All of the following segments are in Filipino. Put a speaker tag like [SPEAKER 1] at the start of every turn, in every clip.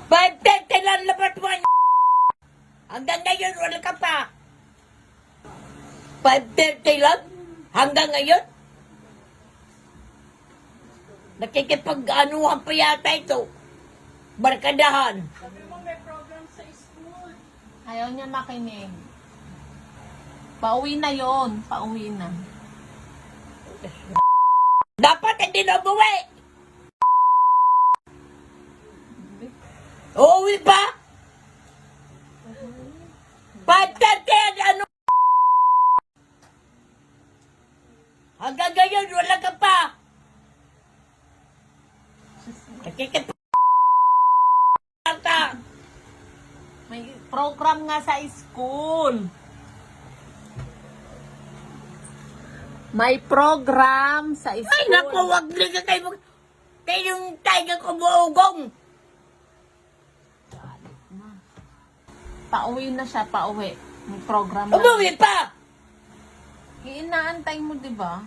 [SPEAKER 1] 5:30 lang labas mo. Hanggang ngayon, wala ka pa. 5:30 lang? Hanggang ngayon? Nakikipag-anuhan pa yata ito. Barkadahan.
[SPEAKER 2] Sabi mo may program sa school.
[SPEAKER 3] Ayaw niya makinig. Pauwi na yon, pauwi na.
[SPEAKER 1] Dapat hindi na umuwi. Uuwi pa? 5:30, ano? Hanggang ngayon, wala ka pa. Nakikipag-
[SPEAKER 3] May program nga sa school. May program sa school.
[SPEAKER 1] Ay, naku, wag na kayo. Kayo yung tiger ko buugong.
[SPEAKER 3] Pauwi na siya, pauwi. May program na.
[SPEAKER 1] Umuwi pa.
[SPEAKER 3] Inaantay mo, di ba?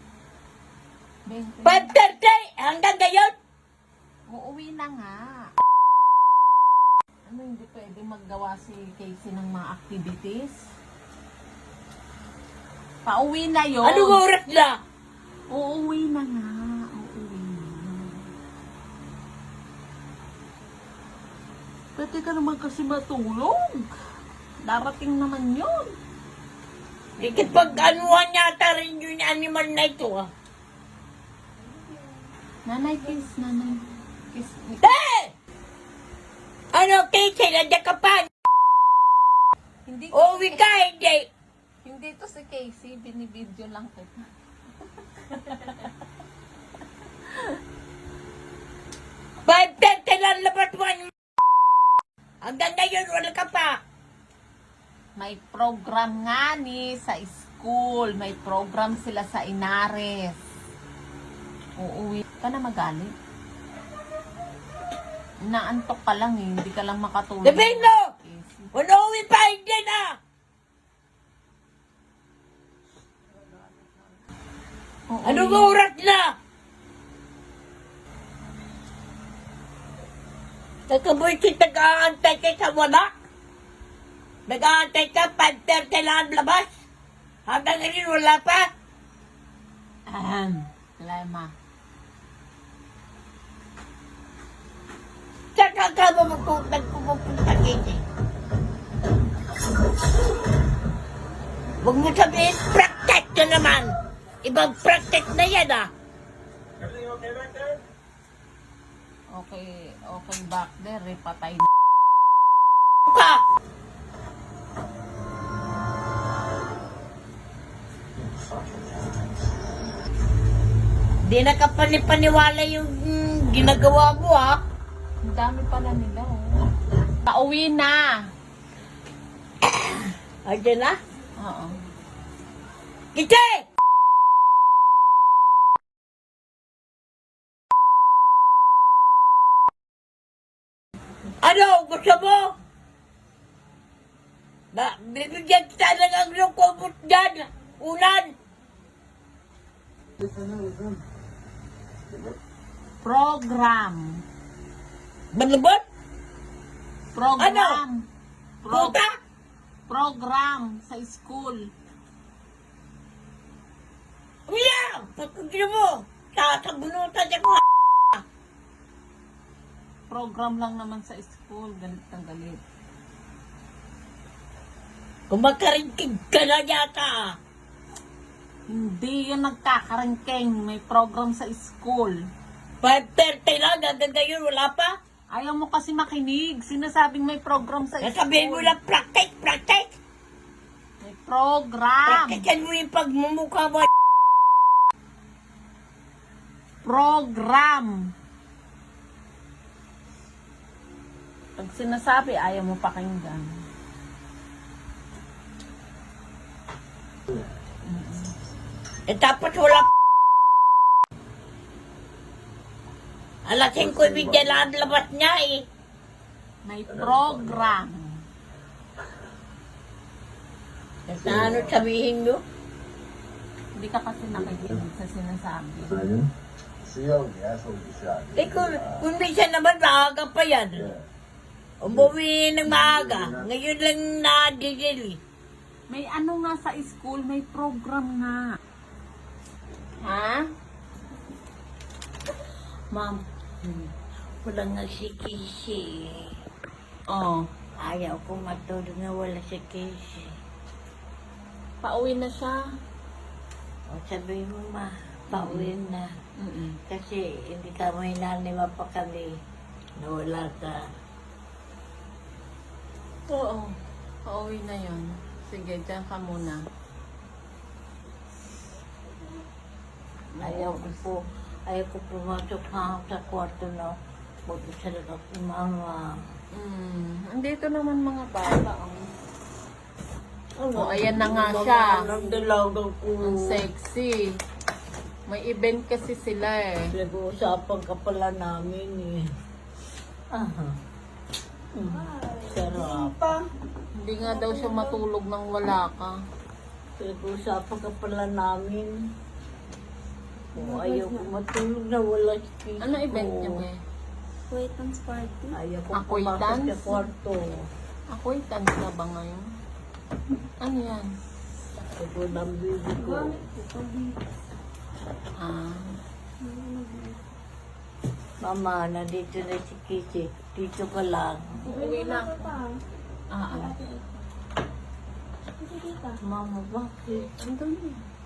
[SPEAKER 1] 5:30, hanggang ngayon.
[SPEAKER 3] Uuwi na nga. Ano, hindi pwede maggawa si Casey ng mga activities? Pauwi na yun.
[SPEAKER 1] Anong oras na?
[SPEAKER 3] Uuwi na nga. Uuwi na. Pwede ka naman kasi matulog. Darating naman yun.
[SPEAKER 1] Nakikipag-anuhan yata rin yung animal na ito, ah.
[SPEAKER 3] Nanay, kiss. Nanay. Kiss.
[SPEAKER 1] Hey! Ano, Casey, nandiyan ka pa?
[SPEAKER 3] Hindi
[SPEAKER 1] Uuwi ka, hindi.
[SPEAKER 3] Hindi to si Casey. Binibidyo lang kita.
[SPEAKER 1] 5:30 lang labas mo. Hanggang ngayon, wala ka pa.
[SPEAKER 3] May program nga ni sa school. May program sila sa Inares. Uuwi ka na magalit. Naantok ka lang eh. Hindi ka lang makatulog.
[SPEAKER 1] Sabihin mo!
[SPEAKER 3] Casey.
[SPEAKER 1] Uuwi pa, hindi na.
[SPEAKER 3] Uuwi.
[SPEAKER 1] Anong oras na? Nagkabuisit, nag-aantay ka sa wala. Nag-aantay ka, 5:30 lang ang labas. Hanggang ngayon, wala pa.
[SPEAKER 3] Lema.
[SPEAKER 1] Saan ka mo nagpupunta, Casey? Huwag mo sabihin, practice ka naman. Ibang practice na yan, ah.
[SPEAKER 4] Everything okay back there?
[SPEAKER 3] Okay back there eh. Patay na.
[SPEAKER 1] Ka! Di na ka panipaniwala yung ginagawa mo, ha?
[SPEAKER 3] Ang dami pala nila oh. Pauwi na.
[SPEAKER 1] Ayan na?
[SPEAKER 3] Oo.
[SPEAKER 1] Kite! Ano? Gusto mo? Bibigyan kita ng ang iyong kumot dyan. Ulan.
[SPEAKER 3] Program.
[SPEAKER 1] Balabot?
[SPEAKER 3] Program.
[SPEAKER 1] Puta?
[SPEAKER 3] Program sa school.
[SPEAKER 1] Uya! Pagkagino mo. Tatabunutan niya ko.
[SPEAKER 3] Program lang naman sa school. Galit ng galit.
[SPEAKER 1] Kumakaringkig ka na yata.
[SPEAKER 3] Hindi yun nagkakarengkeng. May program sa school.
[SPEAKER 1] 5:30 lang. Hanggang ngayon wala pa.
[SPEAKER 3] Ayaw mo kasi makinig. Sinasabing may program sa school.
[SPEAKER 1] Nasabihin mo lang practice.
[SPEAKER 3] May program.
[SPEAKER 1] Practicean mo yung pagmumukha mo.
[SPEAKER 3] Program. Pag sinasabi, ayaw mo pakinggan.
[SPEAKER 1] Eh tapos wala alas 5:30 lang ang labas niya eh.
[SPEAKER 3] May program.
[SPEAKER 1] Sa ano sabihin mo?
[SPEAKER 3] Hindi ka kasi nakikinig sa sinasabi.
[SPEAKER 4] See you, the asshole you shot.
[SPEAKER 1] Eh kung minsan naman maaga pa yan. Umuwi ng maaga. Ngayon lang na-digil.
[SPEAKER 3] May ano nga sa school, may program nga. Ha?
[SPEAKER 1] Ma'am, wala nga si Casey.
[SPEAKER 3] Oh,
[SPEAKER 1] Ayaw ko matulog na wala si Casey.
[SPEAKER 3] pauwi na siya.
[SPEAKER 1] O sabi mo ma, pauwi na.
[SPEAKER 3] Mm-mm.
[SPEAKER 1] Kasi hindi ka may nanay mapakali na wala ka.
[SPEAKER 3] Oo, pauwi na yon. Sige, dyan ka muna.
[SPEAKER 1] Ayaw ko pumasok ha sa kwarto na mag-isa lang ako mama.
[SPEAKER 3] Andito naman mga bata.
[SPEAKER 1] Oh,
[SPEAKER 3] ayan na nga siya.
[SPEAKER 1] Ang dalagang ko.
[SPEAKER 3] Ang sexy. May event kasi sila eh.
[SPEAKER 1] Pinag-uusapan ka pala namin eh. Aha. Sarap.
[SPEAKER 3] Hindi nga daw siya matulog nang wala ka.
[SPEAKER 1] Pinag-uusapan ka pala namin. Oh, ayaw ko matulog na wala si Kiko.
[SPEAKER 3] Ano event niya ba?
[SPEAKER 2] Acquaintance party.
[SPEAKER 1] Ayaw ko
[SPEAKER 3] Acquaintance?
[SPEAKER 1] pumasok sa kwarto.
[SPEAKER 3] Acquaintance na ba ngayon? Ano yan?
[SPEAKER 1] Ito ng baby ko.
[SPEAKER 3] Ah,
[SPEAKER 1] Mama, nandito na si Kiki. Dito ka lang.
[SPEAKER 3] uuwi na. Ah.
[SPEAKER 1] Mama, bakit?
[SPEAKER 3] Andun eh.